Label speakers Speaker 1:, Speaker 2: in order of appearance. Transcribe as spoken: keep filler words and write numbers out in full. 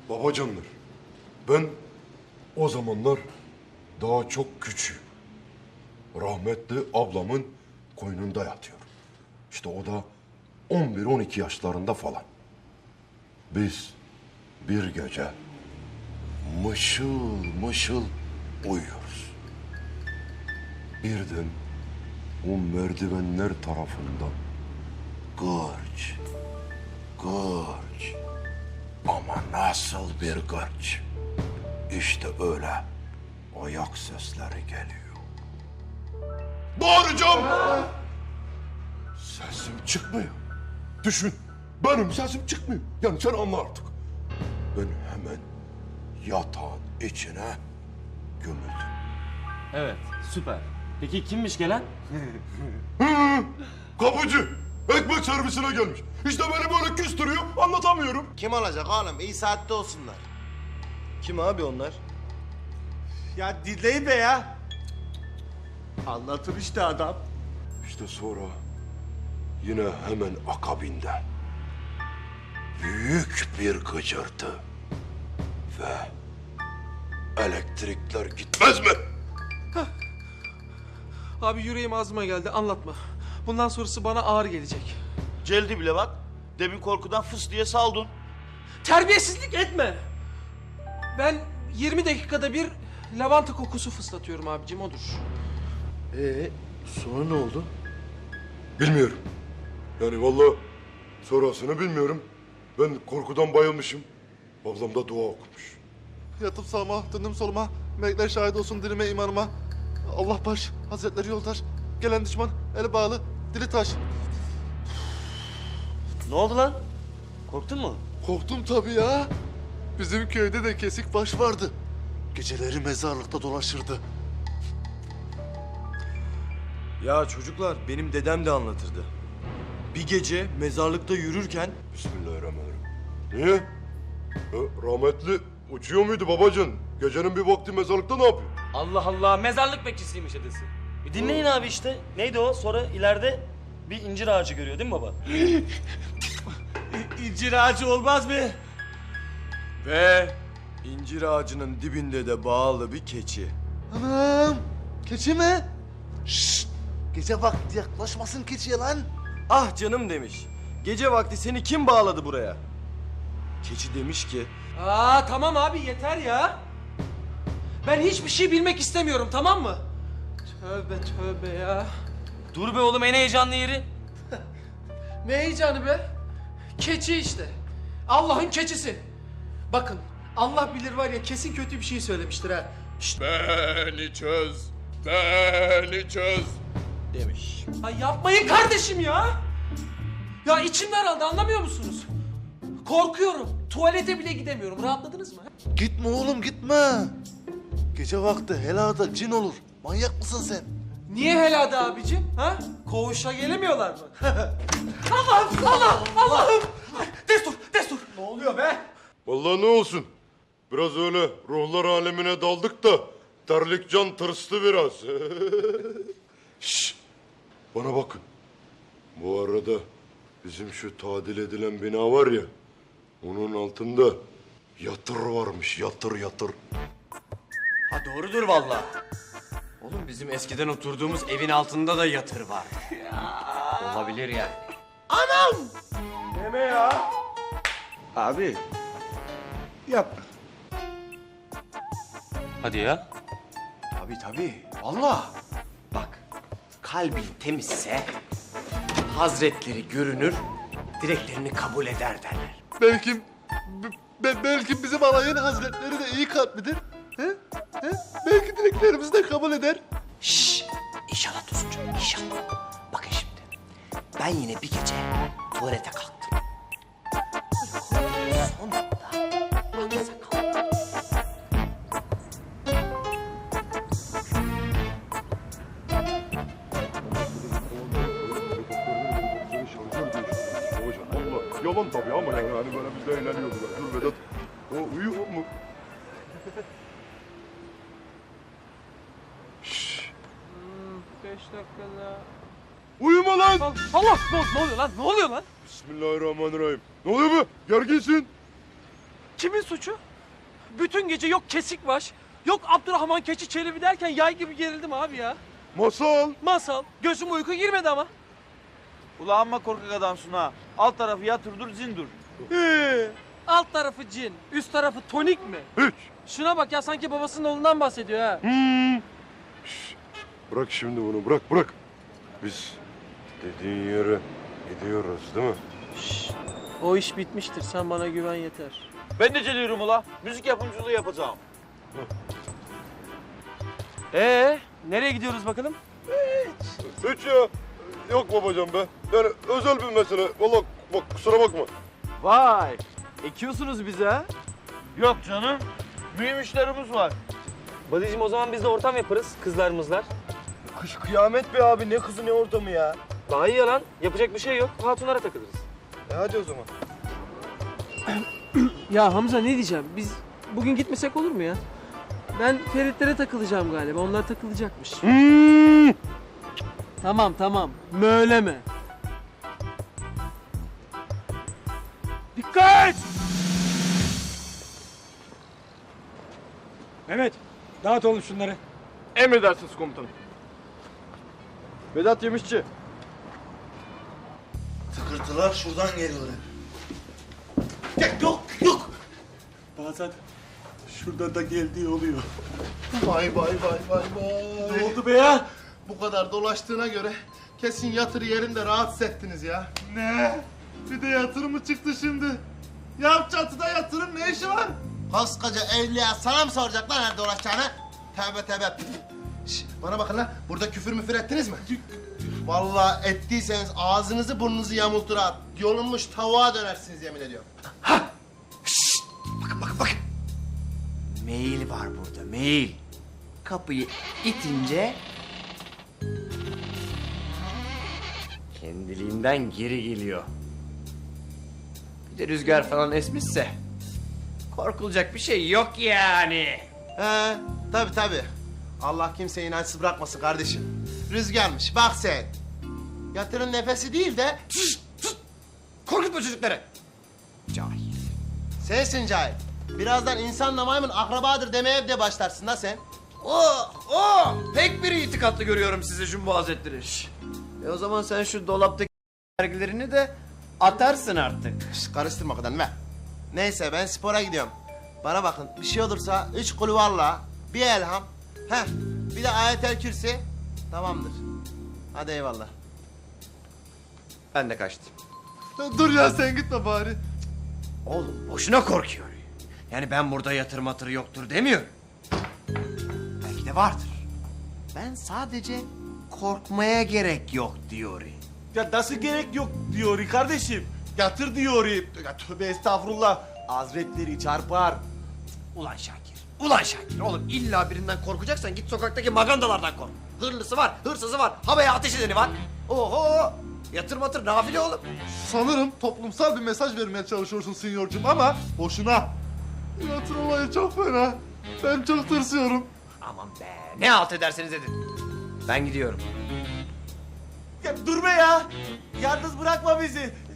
Speaker 1: Babacanlar, ben o zamanlar daha çok küçüğüm. Rahmetli ablamın koynunda yatıyorum. İşte o da on bir on iki yaşlarında falan. Biz bir gece mışıl mışıl uyuyoruz. Birden o merdivenler tarafından gırç, gırç ama nasıl bir gırç. İşte öyle ayak sesleri geliyor. Bağıracağım. Sesim çıkmıyor. Düşün, benim sesim çıkmıyor. Yani sen anla artık. Ben hemen yatağın içine gömüldüm.
Speaker 2: Evet, süper. Peki kimmiş gelen?
Speaker 1: Kapıcı, ekmek servisine gelmiş. İşte beni böyle küstürüyor, anlatamıyorum.
Speaker 3: Kim olacak oğlum? İyi saatte olsunlar.
Speaker 4: Kim abi onlar?
Speaker 3: Ya dinleyin be ya. Anlatır işte adam.
Speaker 1: İşte sonra yine hemen akabinde büyük bir gıcırtı ve elektrikler gitmez mi?
Speaker 5: Abi yüreğim ağzıma geldi, anlatma. Bundan sonrası bana ağır gelecek.
Speaker 3: Celdi bile bak. Demin korkudan fıs diye saldın.
Speaker 5: Terbiyesizlik etme. Ben yirmi dakikada bir lavanta kokusu fıslatıyorum abicim, odur.
Speaker 4: Ee, sonra ne oldu?
Speaker 1: Bilmiyorum. Yani vallahi sonrasını bilmiyorum. Ben korkudan bayılmışım. Ablam da dua okumuş.
Speaker 6: Yatıp sağıma, döndüm soluma. Melekler şahit olsun dilime, imanıma. Allah baş, hazretleri yoldaş. Gelen düşman, eli bağlı, dili taş.
Speaker 2: Ne oldu lan? Korktun mu?
Speaker 6: Korktum tabii ya. Bizim köyde de kesik baş vardı. Geceleri mezarlıkta dolaşırdı.
Speaker 4: Ya çocuklar, benim dedem de anlatırdı. Bir gece mezarlıkta yürürken...
Speaker 1: Bismillahirrahmanirrahim. Niye? E, rahmetli uçuyor muydu babacan? Gecenin bir vakti mezarlıkta ne yapıyor?
Speaker 2: Allah Allah, mezarlık bekçisiymiş dedesi. Bir dinleyin abi işte. Neydi o? Sonra ileride bir incir ağacı görüyor değil mi baba?
Speaker 3: İncir ağacı olmaz mı?
Speaker 4: Ve incir ağacının dibinde de bağlı bir keçi.
Speaker 6: Anam, keçi mi? Şşt, gece vakti yaklaşmasın keçiye lan.
Speaker 4: Ah canım demiş. Gece vakti seni kim bağladı buraya? Keçi demiş ki...
Speaker 5: Aa tamam abi, yeter ya. Ben hiçbir şey bilmek istemiyorum, tamam mı? Tövbe tövbe ya.
Speaker 2: Dur be oğlum, en heyecanlı yeri.
Speaker 5: Ne heyecanı be? Keçi işte. Allah'ın keçisi. Bakın, Allah bilir var ya, kesin kötü bir şey söylemiştir ha. Şşt.
Speaker 1: Beni çöz, beni çöz.
Speaker 4: demiş.
Speaker 5: Ay yapmayın kardeşim ya. Ya içim daraldı, anlamıyor musunuz? Korkuyorum. Tuvalete bile gidemiyorum. Rahatladınız mı?
Speaker 6: Gitme oğlum, gitme. Gece vakti helada cin olur. Manyak mısın sen?
Speaker 5: Niye helada abicim? Ha? Koğuşa gelemiyorlar mı? Allah'ım, Allah, Allah'ım. Ay, destur, destur. Ne oluyor be?
Speaker 1: Vallahi ne olsun. Biraz öyle ruhlar alemine daldık da terlik can tırstı biraz. Şşş. Bana bakın. Bu arada bizim şu tadil edilen bina var ya, onun altında yatır varmış, yatır yatır.
Speaker 2: Ha doğrudur vallahi. Oğlum bizim eskiden oturduğumuz evin altında da yatır var. Olabilir yani.
Speaker 4: Abi,
Speaker 6: Yapma.
Speaker 2: Hadi ya.
Speaker 4: tabii tabii. Vallahi.
Speaker 2: Bak, kalbin temizse hazretleri görünür, dileklerini kabul eder derler.
Speaker 6: Belki, be- be- belki bizim alayın hazretleri de iyi kalplidir. He? He? Belki dileklerimizi de kabul eder.
Speaker 7: Şşş! İnşallah Tosuncuğum, inşallah. Bakın şimdi, ben yine bir gece tuvalete kalktım. Böyle son anda aksa kalktım.
Speaker 1: Yalan tabii ama yani hani böyle biz de eğleniyordular. Dur Vedat, o uyuyor mu? Şşş.
Speaker 5: Beş dakika daha.
Speaker 1: Uyuma lan!
Speaker 5: Allah, Allah, ne, ne oluyor lan? Ne oluyor lan?
Speaker 1: Bismillahirrahmanirrahim. Ne oluyor be? Gerginsin.
Speaker 5: Kimin suçu? Bütün gece yok kesik baş, yok Abdurrahman Keçi Çelebi derken yay gibi gerildim abi ya.
Speaker 1: Masal.
Speaker 5: Masal, gözüm uyku girmedi ama.
Speaker 3: Ula amma korkak adamsın ha. Alt tarafı yatırdır zindur.
Speaker 5: Ee, alt tarafı cin, üst tarafı tonik mi?
Speaker 1: Hiç.
Speaker 5: Şuna bak ya, sanki babasının oğlundan bahsediyor ha.
Speaker 1: Şş, bırak şimdi bunu bırak bırak. Biz dediğin yere gidiyoruz değil mi?
Speaker 5: O iş bitmiştir, sen bana güven yeter.
Speaker 3: Ben de geliyorum ula. Müzik yapımcılığı yapacağım.
Speaker 5: Ee, nereye gidiyoruz bakalım?
Speaker 1: Hiç ya. Yok babacan be. Yani özel bir mesele. Vallahi bak kusura bakma.
Speaker 4: Vay! Ekiyorsunuz bize ha?
Speaker 3: Yok canım. Mühim işlerimiz var.
Speaker 5: Badicim, o zaman biz de ortam yaparız, kızlarımızlar.
Speaker 4: Kış kıyamet be abi, ne kızı ne ortamı ya.
Speaker 5: Daha iyi ya lan, yapacak bir şey yok, hatunlara takılırız.
Speaker 4: E hadi o zaman.
Speaker 5: Ya Hamza, ne diyeceğim, biz bugün gitmesek olur mu ya? Ben Feritlere takılacağım galiba, onlar takılacakmış. Tamam tamam, möyleme. Dikkat!
Speaker 8: Mehmet, dağıt oğlum şunları.
Speaker 4: Emredersiniz komutanım. Vedat Yemişçi.
Speaker 6: Tıkırtılar şuradan geliyorlar. Yok yok yok.
Speaker 8: Bazen şurada da geldiği oluyor.
Speaker 6: Vay vay vay vay vay.
Speaker 8: Ne oldu be ya?
Speaker 6: Bu kadar dolaştığına göre kesin yatır yerinde rahatsız ettiniz ya. Ne? Bir de yatır mı çıktı şimdi? Ya çatıda yatırın ne işi var? Koskoca evliya sana mı soracaklar nerede dolaşacağını? Tövbe tövbe. Şş, bana bakın lan, burada küfür müfür ettiniz mi? Vallahi ettiyseniz ağzınızı burnunuzu yamultur ha. Yolunmuş tavuğa dönersiniz yemin ediyorum.
Speaker 7: Bakın bakın bakın. Mail var burada, mail. Kapıyı itince
Speaker 2: Kendiliğinden geri geliyor. Bir de rüzgar falan esmişse korkulacak bir şey yok yani.
Speaker 6: He, tabii tabii. Allah kimseyi inançsız bırakmasın kardeşim. Rüzgarmış, bak sen. Yatırın nefesi değil de
Speaker 2: Korkutma çocukları. Cahil.
Speaker 6: sensin cahil. Birazdan insanla maymun akrabadır demeye de başlarsın da sen.
Speaker 2: O, o pek bir itikatlı görüyorum sizi Jumbo Hazretleri. Şş. E o zaman sen şu dolaptaki dergilerini de atarsın artık.
Speaker 6: Şş, karıştırma kadın be. Neyse ben spora gidiyorum. Bana bakın bir şey olursa üç kulvarla bir elham. Heh, bir de ayetel kürsi. Tamamdır. Hadi eyvallah.
Speaker 2: Ben de kaçtım.
Speaker 6: Dur ya sen gitme bari.
Speaker 2: Oğlum boşuna korkuyor. Yani ben burada yatır matır yoktur demiyorum. Belki de vardır. Ben sadece korkmaya gerek yok diyor.
Speaker 3: Ya nasıl gerek yok diyor kardeşim. Yatır diyor. Ya tövbe estağfurullah. Hazretleri çarpar.
Speaker 2: Ulan Şakir, ulan Şakir. Oğlum illa birinden korkacaksan git sokaktaki magandalardan kork. Hırlısı var, hırsızı var, havaya ateş edeni var. Oho! Yatır matır nafile oğlum.
Speaker 6: Sanırım toplumsal bir mesaj vermeye çalışıyorsun sinyorcum ama boşuna. Yatır olayı çok fena. Ben çok tırsıyorum.
Speaker 2: Aman be, ne halt ederseniz edin. Ben gidiyorum.
Speaker 3: Ya dur be ya. Yalnız bırakma bizi.